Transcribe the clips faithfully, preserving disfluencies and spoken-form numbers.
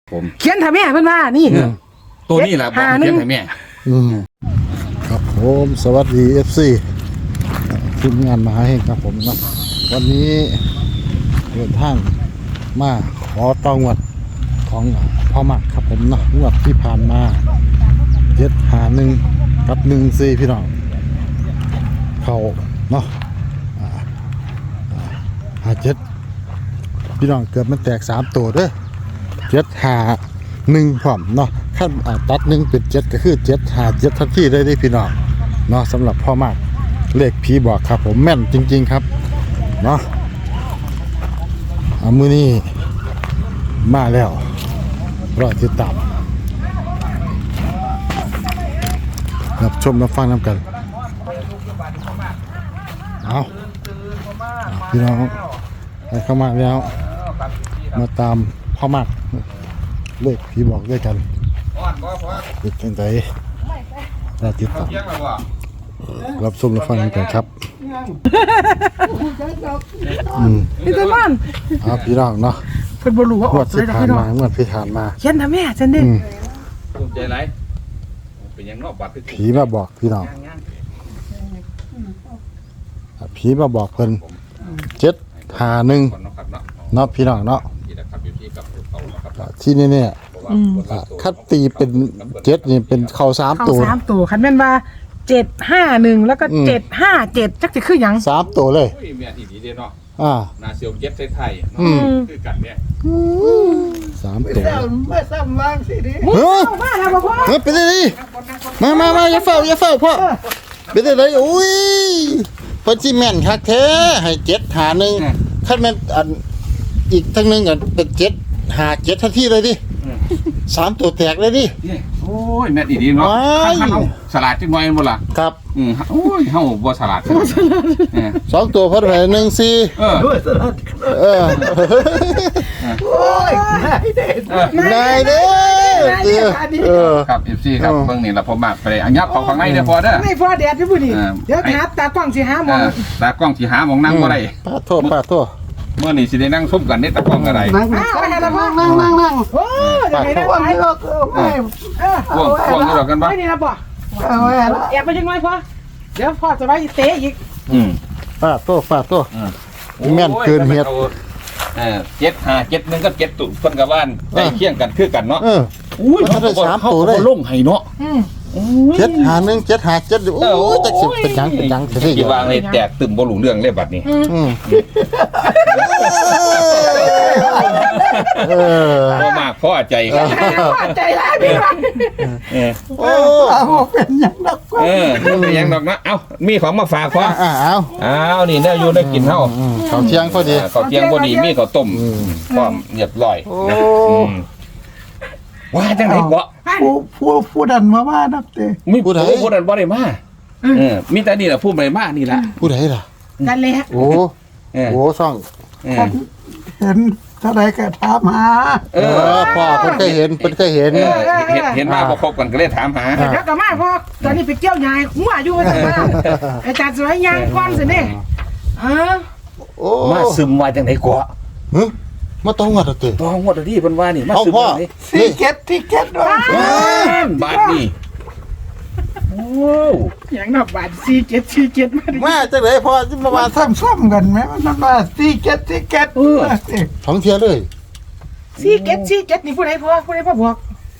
ผมเขียนถ่ายแม่เพิ่นว่านี่ตัวนี้แหละบอกเขียนถ่ายแม่อืมครับผมสวัสดี เอฟ ซี ทีมงานมหาเฮงครับผมนะวันนี้เดินทางมาขอตองวดของพ่อมักครับผมนะงวดที่ผ่านมาเจ็ดหาหนึ่งกับหนึ่งสี่พี่น้องเขาเนาะหาเจ็ดพี่น้องเกือบมันแตกสามตัวเด้อเจ็ดหาหนึ่งพร้อมเนาะขั้นตัดหนึ่งเป็นเจ็ดก็คือเจ็ดหาเจ็ดทันทีได้ได้พี่น้องเนาะสำหรับพ่อมากเลขผีบอกครับผมแม่นจริงๆครับเนาะเอามือนี้มาแล้วรอติดตามรับชมรับฟังน้ำกันเอาพี่น้องไปเข้ามาแล้วมาตามพ่อมากเลขผีบอกด้วยกันเป็นจังไดเราติดตามรับชมรับฟังกันครับอืมพี่ตะมันเอาพี่น้องเนาะเพิ่นบ่รู้ว่าองวอดกเลที่ยดอกผ่านพี่น้อมางงวดที่ผ่านมาเขียนถ่ายแม่จังได๋อืมภูมิใจไรเป็นยังนอกบัตรผีมาบอกพี่น้องผีมาบอกเพิ่นเจ็ดหาหนึ่งเนาะพี่น้องเนาะที่นี่เนี่ยคัดตีเป็นเจ็ดนี่เป็นเข่าสามเข้าตัวสามตัวคันแม่นว่าเจ็ดห้าหนึ่งแล้วก็เจ็ดห้าเจ็ดจักสิคือหยังสามตัวเลยอุ้ยเมียที่ดีเด้เนาะอ่านาเซียวเย็บไทยๆอืมคือกันเนี่ยสามตัวไม่ซ้ำวางสิดิเฮ้ยเข้ามาแล้วบ่พ่อเฮ้ยเป็นไงมามามาอย่าเฝ้าอย่าเฝ้าพ่อเป็นไงอุ้ยเพิ่นสิแม่นคักแท้ให้เจ็ดหาหนึ่งคันแม่นอันอีกทั้งหนึงอันเป็นเจ็ดหาเจ็ดทันทีเลยดิสามตัวแตกเลยดิโอ้ยแม่ดีดีเนาะว้ายขั้นเขาสลัดจังหน่อยบ่ล่ะครับอืมโอ้ยเฮาบ่สลัดเออสองตัวเพิ่นให้หนึ่งสี่เออด้วยสลัดเออโอ้ยนายเด็ดนายเด้อเออครับ เอฟ ซี ครับเออเบิ่งนี่ล่ะผมมากไปเลยอันยับเข้าข้างในเด้อพอเด้อไม่พอแดดอยู่พุ่นนี่เออเดี๋ยวหาตากล้องสิหาหมเอองอตากล้องสิหาหมองนั่งบ่ได้ป้าโทษป้าโทษเมื่อนี่สิได้นั่งซุ่มกันนี่ตากล้องอะไรนั่งอ้าวให้ละพ่อนั่งนั่งนั่งโอ้ยจะให้ได้พวกไหมนี้ก็ไม่เออพวกพวกนี้ดอกกันบ่ไม่นี่นะบ่เอาไว้แล้วแอบไปจังไว้พ่อเดี๋ยวพ่อจะไว้เตะอีกอืมป้าโทษป้าโทษโอ้ยแม่นเกินเหตุเออเจ็ดห้าเจ็ดหนึ่งกับเจ็ดตุ่นเพิ่นกับว่านใกล้เคียงกันคือกันเนาะเอออุ้ยมันได้สามตัวเลยขาลงให้เนาะอืมเจ็ดหาหนึ่งเจ็ดหาเจ็ดโอ้ยจักสิเป็นหยังเป็นหยังสิได้ที่วางเลยแตกตึมบ่รู้เรื่องเลยบัดนี้อืมเออพอมากพอใจครับพอใจร้ายพี่ว่าเออโอ้เอาเป็นอย่างนักเออเป็นหยังดอกนะเอ้ามีของมาฝากพออ่าเอาอ้าวนี่ได้อยู่ได้กินเฮาอืมข้าวเที่ยงพอดีข้าวเที่ยงบ่ดีมีข้าวต้มพร้อมเรียบร้อยโอ้นะอืมว่าจังได๋บ่ผู้ผู้ผู้ดันมาว่านับเตะมีผู้ใดผู้นั้นบ่ได้มาเออมีแต่นี่ล่ะผู้ใดมานี่ล่ะผู้ใดล่ะนั่นแหละโอ้เออโหช่องเออเห็นเท่าไรก็ถามหาเอเอออพ่อเพิ่นเคยเห็นเพิ่นเคยเห็นเออเห็นเห็นมาบ่ครบกันก็เลยถามหาอ่าเดี๋ยวกลับมาพ่อตอนนี้ไปเกี่ยวยายหัวอยู่ว่าซั่นว่าอาจารย์สวยยางก่อนสินี่เออโอ้มาซึมว่าจังได๋กว่าหึมาต้องวัดเอาติตองวดดีเพิ่นว่านี่มาเอาซึมพ่อว่านี่ซีเก็ตที่เก็ตด้วยบาทนี่โอ้อย่างนับบาทสี่เจ็ดสี่เจ็ดมาดิมาจังได๋พ่อสิมามาว่าซ้ำซ้ำกันไหมมันมาซีเก็ตที่เก็ตท้องเที่ยวเลยสี่เจ็ดสี่เจ็ดนี่ผู้ใดพ่อผู้ใดพ่อบอก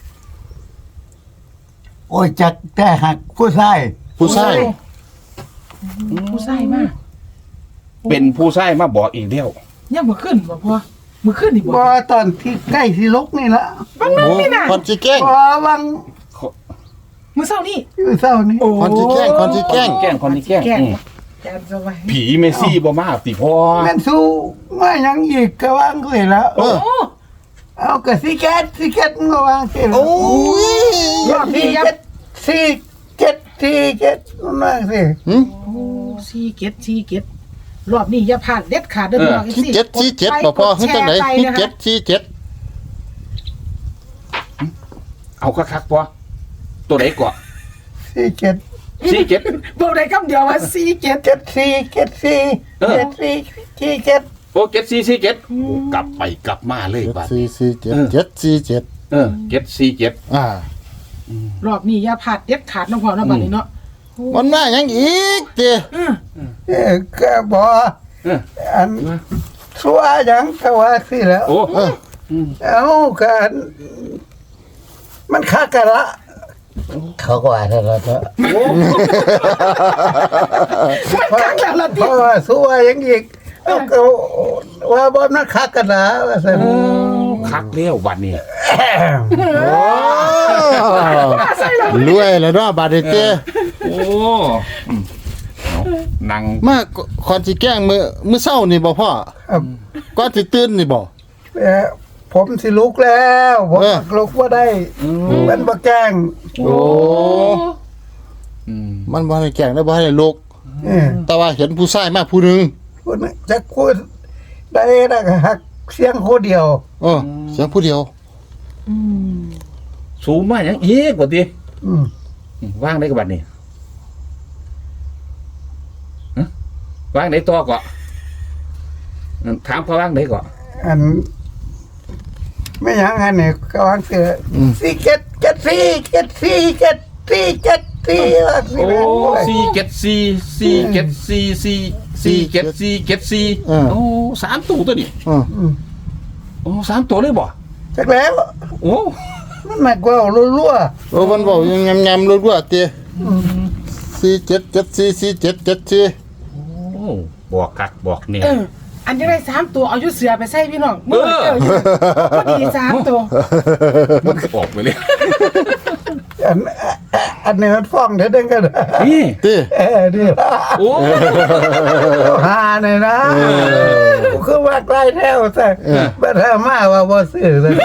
โอ้ยจักแต่หักผู้ชายผู้ชายผู้ชายมากเป็นผู้ชายมาบอกอีกแล้วยังบ่ขึ้นบ่พ่อมื้อขึ้นนี่บ่บ่ตอนที่ใกล้ที่ลกนี่ละบางนึงโอ้นี่น่ะคนสิแกล้งพอวังมื้อเช้านี่อยู่เศร้านี่คนสิแกล้งคนสิแกล้งแกล้งคนนี้แกล้งแกล้งอืมอาจารย์สวยผีเมซี่บ่มาติพ่อแม่นสู้มายังอีกก็วางเลยแล้วเออโอ้เอากระซีเก็ตซีเก็ตก็วางเสร็จโอ้ยยอดซีเก็ตซีเก็ตซีเก็ตนั่นสิหึสี่เจ็ดสี่เจ็ดรอบนี้อย่าพลาดเด็ดขาดเด้อพี่น้องที่เจ็ดที่เจ็ดบ่พ่อเฮ็ดจังได๋ที่เจ็ดที่เจ็ดเอาคักๆพ่อตัวไหนก่อนซีเก็ตสี่เจ็ดบอกได้คำเดียวว่าสี่เจ็ดเก็ตซีเก็ตซีเก็ตซีซีเก็ตโอ้เจ็ดสี่สี่เจ็ดกลับไปกลับมาเลยเจ็ดบาดสี่นี้สี่เจ็ดเจ็ดสี่เจ็ดอเออเจ็ดสี่เจ็ดอ่ารอบนี้อย่าพลาดเด็ดขาดนะพ่อเนาะบัดนี้เนาะมันมาหยังอีกเจ้อือเออก็บ่เอออันสัวหยังก็ว่าสิแล้วโอ้เออเอากันมันคักกันละเขาก็ว่าแล้วละมันคักแล้วล่ะเพติราะว่าสัวหยังอีกเอาก็ว่าบ่มันคักกันละว่าซั่นคักเลี้ยววันนี้โอ้รวยแล้วเนาะบาดนี้เจ้โอ้อืมเอานั่งมาก่อนสิแกล้งมื้อมื้อเช้านี่บ่พ่อครับก่อนสิตื่นนี่บ่เอ่อผมสิลุกแล้วผมเออลุกว่าได้มันบ่แกล้งโอ้อืมมันบ่ให้แกล้งแล้วบ่ให้ลุกเออแต่ว่าเห็นผู้ชายมาผู้หนึงพูดจะพูดได้นะฮักเสียงโคเดียวเออเสียงผู้เดียวอืมสูงมากยังอีกกว่าทีอืมว่างได้กับบัดนี้ฮะว่างได้ตัวก่อนถามเขาว่างได้ก่อนอันไม่หยังอันนี้ก็วางเสืออมสี่เจ็ดเจ็ดสี่เจ็ดสี่เจ็ดสี่เจ็ดสี่ว่าสิโอ้แม่นสี่เจ็ดสี่สี่เจ็ดสี่สี่สี่เจ็ดสี่เจ็ดสี่เออโอ้สามตัวตัวนี้เอออืมโอ้สามตัวเลยบ่จักแล้วโอ้มันมากกว่ารั่วโอ้มันบอกยังยำๆรัวๆเจ้สี่เจ็ดเจ็ดสี่สี่เจ็ดเจ็ดสี่โอ้บอกกักบอกเนี่ยเอออันจะได้สามตัวเอาอยู่เสือไปใส่พี่น้องเออเจออยู่พอดีสามตัวมันออกไปเลยๆอันอันนี้มันฟ้องเด้อเด้งกันนี่เต้เออดีละโอ้หาเนี่ยนะกูคือว่าใกล้แท้วซะบ่ถ้ามาว่าบ่ซื้อซะ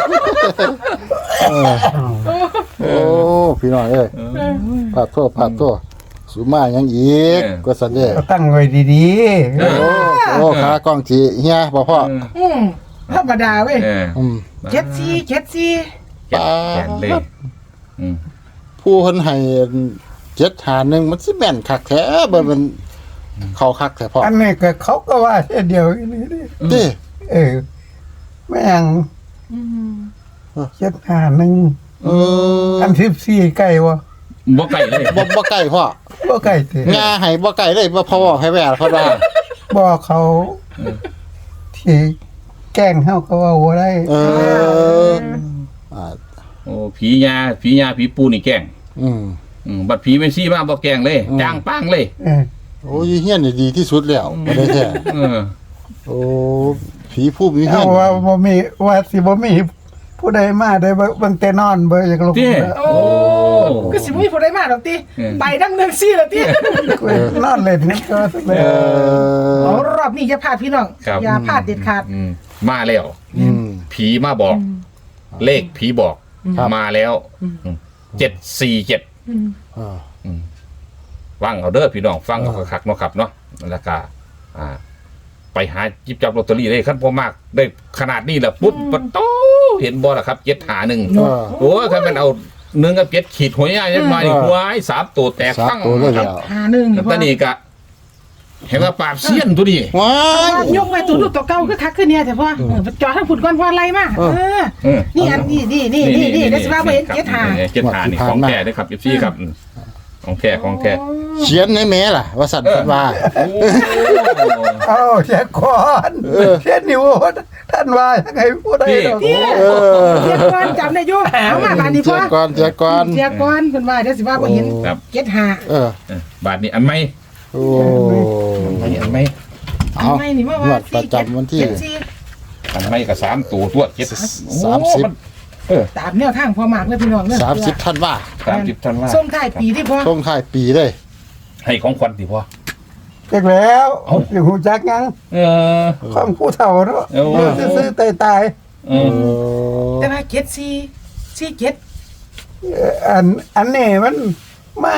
โอ้พี่น้องเอ้ยพาดโทษพาดโทษสุมาหยังอีกก็สันเด้ก็ตั้งไว้ดีโอ้โอ้ขากล้องจีเฮียบ่พ่ออืมธรรมดาเว้ยเอออืมเจ็ดสี่เจ็ดสี่แกะแกะเลยอืมผู้เพิ่นให้เจ็ดหาหนึ่งมันสิแม่นคักแท้บ่มันเข้าคักแท้พ่อๆอันนี้ก็เขาก็ว่าเช่นเดียวกันนี่ดิเต้เออแม่งอืมเจ็ดหาหนึ่งเอออันสิบสี่ไก่วะบ่ไก่เลยบ่บ่ใกล้พ่อบ่ไก่เถงาให้บ่ใกล้เลยบ่พอบอกให้แว่เพราะว่าบอกเขาที่แกล้งเขาก็ว่าบ่ได้เอออ่าโอ้ผียาผียาผีปูนี่แกล้งอืมอืมบัดผีไม่ซี่มาบ่แกล้งเลยอืมจ้างป้างเลยเออโอ้ยเฮียนนี่ดีที่สุดแล้วบ่ได้แท้เออโอ้ผีผู้มีเฮีเอายนว่าบ่มีว่าสิบ่มีผู้ใดมาได้เบิ่งแต่นอนเบิ่งอยากลงเจ้โอ้ก็สิบ่มีผู้ใดมาดอกติเออไปดังหนึ่งสี่แล้วตินอนเล่นนี่ก็สักแล้เอวอเอารอบนี้อย่าพลาดพี่น้องครับอย่าพลาดเด็ดขาดอืมมาแล้วอืมผีมาบอก เลขผีบอกครับมาแล้วเจ็ดสี่เจ็ดอ่าฟังเอาเด้อพี่น้องฟังเอาคักๆเนาะครับเนาะแล้วก็อ่า ไปหาจิบจับลอตเตอรี่ได้ขั้นพอมากได้ขนาดนี้แหละปุ๊บปะโตเห็นบอล่ะครับเจ็ดหาหนึ่งเออโอ้ยคันมันเอาหนึ่งกับเจ็ดขีดหัวใหญ่ยันมาอีกหัวไอ้สามตัวแตกสามทั้งตัวเลยครัแล้บวหาหนึ่งแล้วตอนนี้ก็เห็นว่าปราบเสี้ยนตัวนี้ว้ายยกไว้ตัวดูตัวเก่าคือคักขึ้นเนี่ยแต่พ่อเออจอทั้งผุดก้อนพ่อไล่มาเออเออเออนี่อันนี้นี่นี่นี่นี่ได้สิว่าบ่เห็นเจ็ดหาเจ็ดหานี่ของแท้ด้วยครับเอฟซีครับอืมของแท้ของแท้เขียนในแม่ล่ะ ว่าสั่นเพิ่นว่าเอาเสียก่อนเสียนิ้วท่านว่ายังไงผู้ใดดอกพี่เออเสียก่อนจำได้อยู่เอามาบานนี้เจีพ่ยอก่อนเจียก่อนเสียก่อนเพิ่นว่าเดี๋ยวสิว่าบ่เห็นครับเจ็ดหาเออเออบาทนี้อันไหมโอ้อันไหมอันไหมเอาทำไมนี่มางวว่าดประจำวันที่เจ็ดสี่อันไหมกับสามตัวตัวเจ็ดสามสิบเออตามแนวทางพ่อมากเลยพี่น้องเด้อสามสิบท่านว่าสามสิบท่านว่าส่งท้ายปีที่พ่อช่วงท้ายปีเลยให้ของขวัญสิพ่อเด็กแล้วเอ้าอยู่หูจักยังเออของผู้เฒ่าเนาะเอาเดี๋ยวซื้อๆตายเอเอออแต่ว่าเจ็ดสี่สี่เจ็ดๆเอ่ออันอันนี้มันมา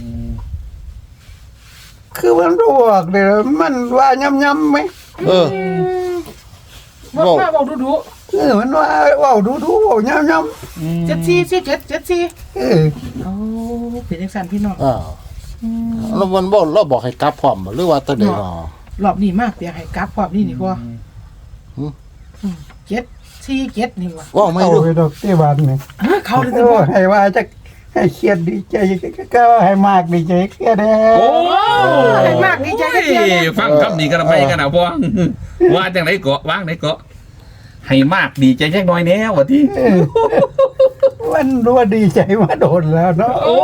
คือมันรวกเดี๋ยวมันว่าย่ำๆไหมเออบอกว่าบอกดูดูเออมันว่าเว่าดูๆเว่าย่ำเจ็ดสี่สี่เจ็ดเจ็ดสี่ๆเออโอ้เป็นจังซั่นพี่น้องอ้าวแล้วมันบอกเราบอกให้กลับพร้อมบ่หรือว่าตัวใดเนาะรอบนี้มากเปียกให้กลับพร้อมนี่นี่พ่อหืมอืมเจ็ดสี่เจ็ดนี่ว่ะว่าไม่เอาดูไปดอกที่บ้านนี่เฮ้ยเขาเลยโอ้ให้ว่าจะให้เครียดดีใจก็ให้มากดีใจเครียดแน่โอ้ให้มากดีใจกันเดียวเนี่ยฟังคำนี้กันทำไมกันนะพ่อว่าจังไหนเกาะว่างไหนเกาะให้มากดีใจแค่น้อยแน่วะที่มันรู้ว่าดีใจมาโดนแล้วเนาะโอ้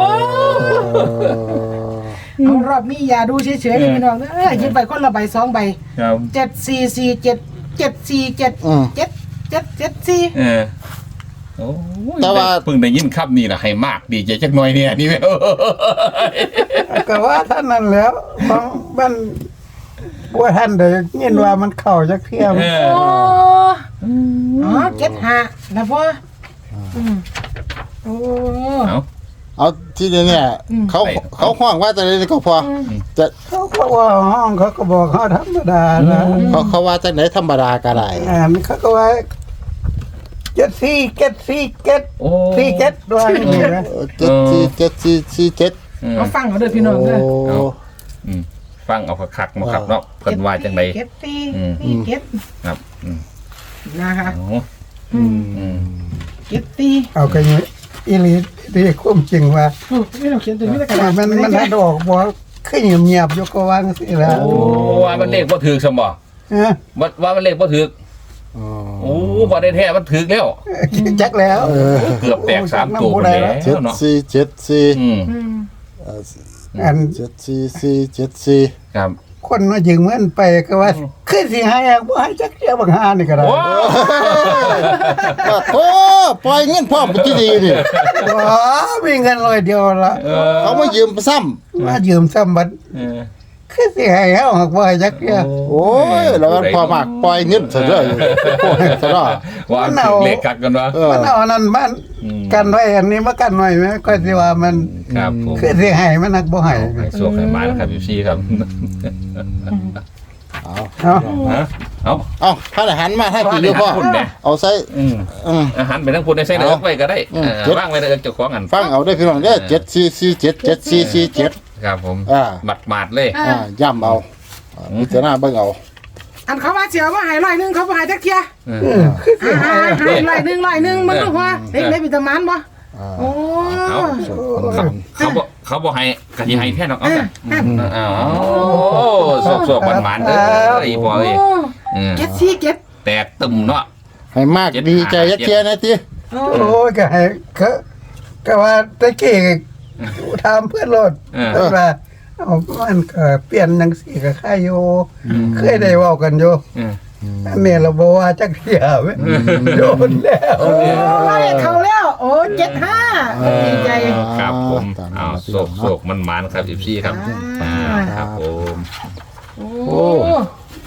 เอารอบนี้อย่าดูเฉยๆเลยพี่น้องเอ้ยหยิบไปคนละใบสองใบครับเจ็ดสี่สี่เจ็ดเจ็ดสี่เจ็ดอืมเจ็ดเจ็ดเจ็ดสี่เออโอ้ยแต่ว่าเพิ่งได้ยินคำนี้นะให้มากดีใจจักหน่อยเนี่ยนี่แม่ก็ว่าท่านนั้นแล้วบางบ้านบัวท่านเดี๋ยวยินว่ามันเข่าจักเที่ยมเอโอ้ออ๋อเจ็ดห้าแล้วพ่ออืมโอ้เอาเอาที่นี่เนี่ยอืมเขาเขาห้องว่าจะไหนก็พอจะเขาก็ว่าห้องเขาก็บอกเขาธรรมดานะเขาเขาว่าจะไหนธรรมดาก็ได้อ่านเขาก็ว่าเจ็ดสี่เจ็ดสี่เจ็ดโอ้สี่เจ็ดด้วยนี่นะเจ็ดสี่เจ็ดสี่สี่เจ็ดเออเอาฟังเขาด้วยพี่น้องเด้อโอ้อืมฟังเอาคักๆมาครับเนาะเพิ่นว่าจังไดเจ็ดสี่อืมสี่เจ็ดครับอืมนะคะโอ้อืมอืมเจ็ดสี่เอากันอยู่อีหลีดีคุ้มจริงว่าโอ้ไม่ต้องเขียนตัวนี้แล้วกระดาษมันมันถ้าดอกบอกขึ้นเงียบๆอยู่ก็วางสิแล้วโอ้ว่ามันเลขบ่ถูกซะบ่เออว่าว่ามันเลขบ่ถูกอ๋อโอ้บ่ได้แท้มันถูกแล้วจักแล้วเออเกือบแตกสามตัวไปแล้วเจ็ดเนาะสี่เจ็ดสี่อืมอืมเอ่ออันเจ็ดสี่สี่เจ็ดสี่ครับคนมายืมเงินไปก็ว่าขึ้นสิให้อ่ะบ่ให้จักเดียวบางหานี่ก็ได้โอ้ว่าโอ้ปล่อยเงินพ่อมไปที่ดีนี่ว้ามีเงินร้อยเดียวละเออเขามายืมซ้มายืมซ้ำบัดเออขึ้นสิให้เฮาหักบ่ให้จักเดียวำโอ้ยแล้วมันพอมากปล่อยเงินซะเด้อโอ้ยซะเด้อว่ามันถูกเลขกัดกันวะเออมันเอาอันนั้นบ้านอืมกันไว้อันนี้มากันไว้ไหมก็สิว่ามันครับผมขึ้นสิให้มันหักบ่ให้ให้สวกให้มานะครับพี่ซี่ครับเอาเอาฮะเอาเอาถ้าอาหารมาให้กินอยู่พ่อคุณเนี่ยเอาใส่อืมอืมอาหารไปทั้งคุณในไส้เนื้อไปก็ได้อืมเออว่างไว้ในเอิ้นเจ้าของอันฟังเอาได้อพี่น้องเด้อเจ็ดสี่สี่เจ็ดเจ็ดสี่สี่เจ็ดครับผมอ่าหมัดหมาดๆเลยอ่าย่ำเอาอ่าพิจารณาเบิ่งเอาอันเขาว่าเสียว่าหายร้อยหนึ่งเขาบ่หายจักเทียเออเออขึ้นสิอ่าให้หายร้อยหนึ่งร้อยหนึ่งมันต้องพอเด็กเล็กมีตะมันบ่อ่าโอ้เอา เขาเขาบอกเขาบอกให้กะทิให้แค่นอกเอาเอแต่ออ้าวสวกสวกหวานๆเด้อไอ้บอยโอ้เออเจ็ดสี่เจ็ดแตกตึมเนาะให้มากดีใจยักเทียนะทีโอ้โอ้ยก็ให้ก็ก็ว่าตะกี้ถามเพื่อนรถเออเพิ่นว่าเอามันก็เปลี่ยนจังซี่ก็ค่ายอยู่เคยได้เว้ากันอยู่เอออันนี้เราบอกว่าจักเที่ยเว้ยโดนแล้วโอ้ยเขาแล้วโอ้เจ็ดห้าดีใจครับผมตามอ้าวนั้นโศกโศกมันหมานครับอีซี่ครับอ่าอ่าครับผมโอ้โอ้